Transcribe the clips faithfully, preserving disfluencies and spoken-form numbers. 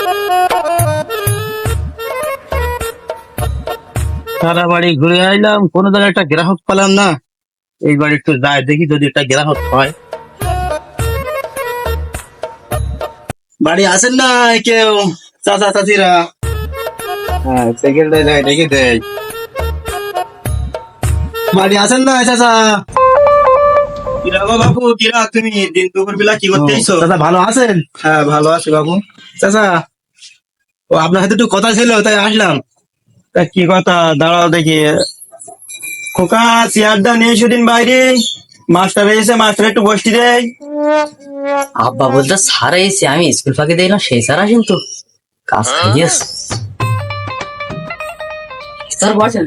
সারা বাড়ি ঘুরে আইলাম, কোনো জায়গায় একটা গ্রাহক পেলাম না। এই বাড়ি একটু যাই দেখি যদি একটা গ্রাহক হয়। বাড়ি আসেন না কেউ চাচা চাচিরা? হ্যাঁ সেকেন্ড যায় দেখি দেয়। বাড়ি আসেন না চাচা? কিরা গো বাবু, কিরা তুমি দিন দুপুর বেলা কি করতে এসো? চাচা ভালো আছেন? হ্যাঁ ভালো আছি বাবু। চাচা ও আপনার সাথে একটু কথা ছিল তাই আসলাম। তা কি কথা? দাঁড়াও দেখি। খোকা চেয়ারটা নিয়ে সেদিন বাইরে মাস্টার এসে মাস্টার একটু বসতে দেয়। আব্বা বলতে স্যার এসে আমি স্কুল ফাঁকি দিই না, সেই স্যার আসেন তো কাজ খাইয়েস। স্যার বসেন।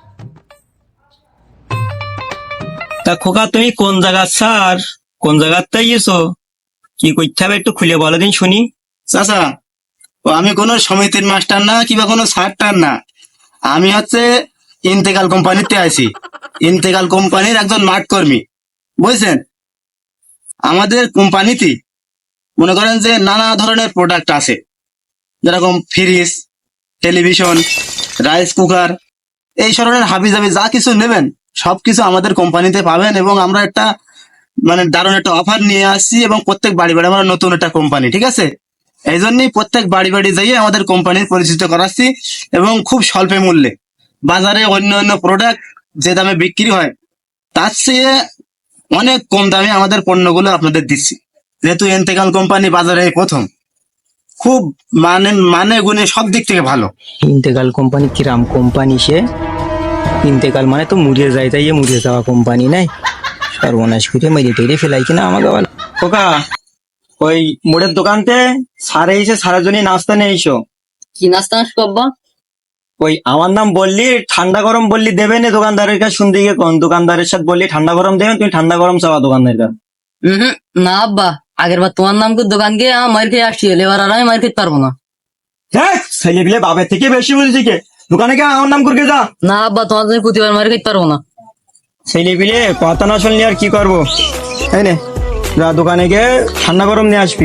তা খোকা তুমি কোন জায়গার স্যার? কোন জায়গার তাই এসো? কি করতে হবে একটু খুলে বলো দিন শুনি। চাচা ও আমি কোনো সমিতির মাস্টার না কিংবা কোনো স্যারটার না, আমি হচ্ছে ইন্তেকাল কোম্পানিতে আছি। ইন্তেকাল কোম্পানির একজন মাঠ কর্মী, বুঝছেন? আমাদের কোম্পানিতে মনে করেন যে নানা ধরনের প্রোডাক্ট আছে, যেরকম ফ্রিজ, টেলিভিশন, রাইস কুকার, এই ধরনের হাবিজাবি যা কিছু নেবেন সবকিছু আমাদের কোম্পানিতে পাবেন। এবং আমরা একটা মানে দারুণ একটা অফার নিয়ে আসছি, এবং প্রত্যেক বাড়ি বাড়ি আমরা নতুন একটা কোম্পানি, ঠিক আছে? এই জন্যই প্রত্যেক বাড়ি বাড়ি যাইয়ে আমাদের কোম্পানির পরিচিত করাচ্ছি, এবং খুব স্বল্প মূল্যে। বাজারে অন্য অন্য প্রোডাক্ট যে দামে বিক্রি হয় তার চেয়ে অনেক কম দামে আমাদের পণ্যগুলো আপনাদের দিচ্ছি, যেহেতু ইন্তেকাল কোম্পানি বাজারে প্রথম। খুব মানে মানে গুণে সব দিক থেকে ভালো। ইন্তেকাল কোম্পানি কিরাম কোম্পানি সে? ইন্তেকাল মানে তো মুড়িয়ে যায়, তাই মুড়িয়ে যাওয়া কোম্পানি নাই। সর্বনাশ করে মেরে টেরে ফেলাই কিনা আমাকে বল। খোকা ওই মোড়ের দোকানতে সারে এসে সারার জন্য নাস্তা নিয়ে এসো। কি নাস্তা আসবো আব্বা? ওই আমার নাম বললি, ঠান্ডা গরম বললি দেবে না দোকানদারের কাছে? শুনতে গিয়ে কোন দোকানদারের সাথে বললি ঠান্ডা গরম দেবেন, তুমি ঠান্ডা গরম চাওয়া দোকানদারের কাছে। হম না আব্বা, আগের বার তোমার নাম করে দোকান গিয়ে আমার মার খেয়ে আসছি, এবার আর আমি মার খেতে পারবো না। হ্যাঁ ছেলে পিলে বাপের থেকে বেশি বুঝেছি কে? দোকানে কে আমার নাম করে যা। না আব্বা, তোমার জন্য প্রতিবার মার খেতে পারবো না। ছেলে পিলে কথা না শুনলি আর কি করবো? তাই না, যা দোকানে গিয়ে ঠান্ডা গরম নিয়ে আসবি।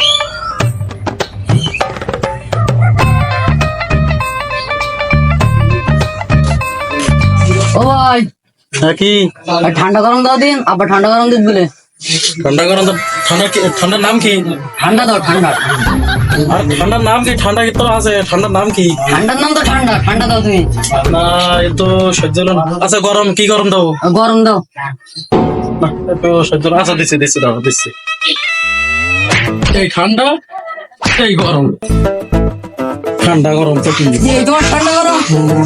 ও ভাই কি আর ঠান্ডা গরম দাও দিন, আব্বা ঠান্ডা গরম দিন বলে। ঠান্ডা গরম তো ঠান্ডা কি? ঠান্ডার নাম কি? ঠান্ডা দাও ঠান্ডা। আর ঠান্ডার নাম কি? ঠান্ডা কি তোর আছে? ঠান্ডার নাম কি? ঠান্ডার নাম তো ঠান্ডা, ঠান্ডা দাও তুমি। না এ তো সহ্য হলো না। আচ্ছা গরম কি? গরম দাও। গরম দাও। না, এ তো সহ্য হলো না। আচ্ছা দিচ্ছি দিচ্ছি দাও দিচ্ছি। এই ঠান্ডা এই গরম, ঠান্ডা গরম তো কি? এই তোমার ঠান্ডা গরম।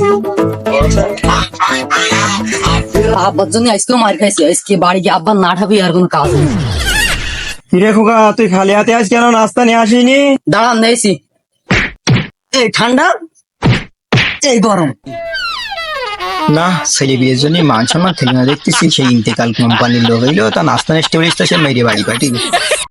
আব্বার জন্য আজকেও মার খাইছি, আজকে বাড়ি গিয়ে আব্বার না ঠাবি আর কোনো কাজ নেই। কিরে খোকা তুই খালি হাতে আজ কেন নাস্তা নিয়ে আসিনি? দাঁড়ান দিয়েছি। এই ঠান্ডা এই গরম। না ছেলে বিয়ের জন্য মান সম্মান থেকে না দেখতেছি সেই ইন্তেকাল কোম্পানির লোক হইলো তা নাস্তা নেস্টে সে মেরে বাড়ি পাঠিয়ে